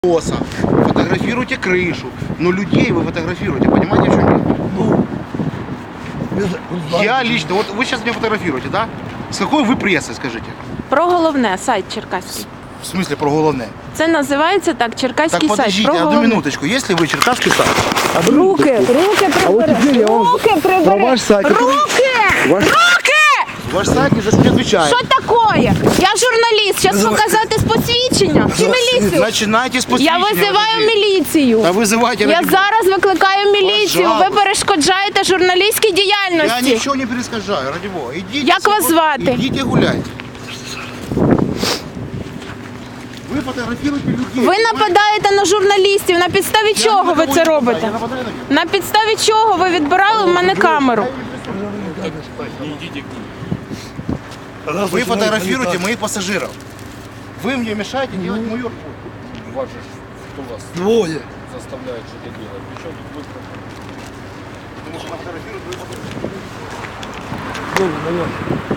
Фотографируйте крышу, но людей вы фотографируете, понимаете, в чем дело? Я лично, вот вы сейчас меня фотографируете, да? С какой вы прессой, скажите? Про головне, сайт черкаський. В смысле про головне? Це називається так, черкаський Так сайт. подождите, Про одну головне. минуточку, если вы черкасский сайт, Руки прибери. Руки прибери. ваш сайт. Руки! ваш сайт не за себя отвечает. Що таке? Я журналіст, зараз показати з посвідчення. Чи міліцію? Начинайте с Я посвящения. визиваю міліцію. Да вызывайте. Я зараз викликаю міліцію. Ви Пожалуйста. перешкоджаєте журналістській Я діяльності. ничего не перескажаю, ради бога. Идите. Як вас звати? Идите гуляйте. Ви фотографуєте людей. Ви нападаєте на журналістів. На підставі чого ви це робите? На підставі чого ви відбирали в мене камеру? Вы фотографируете моих пассажиров. Вы мне мешаете делать мою работу. Вас же кто вас Двое. заставляет что-то делать? Причем тут вы? Потому что она фотографирует, вы фотографируете. Двое, наверное.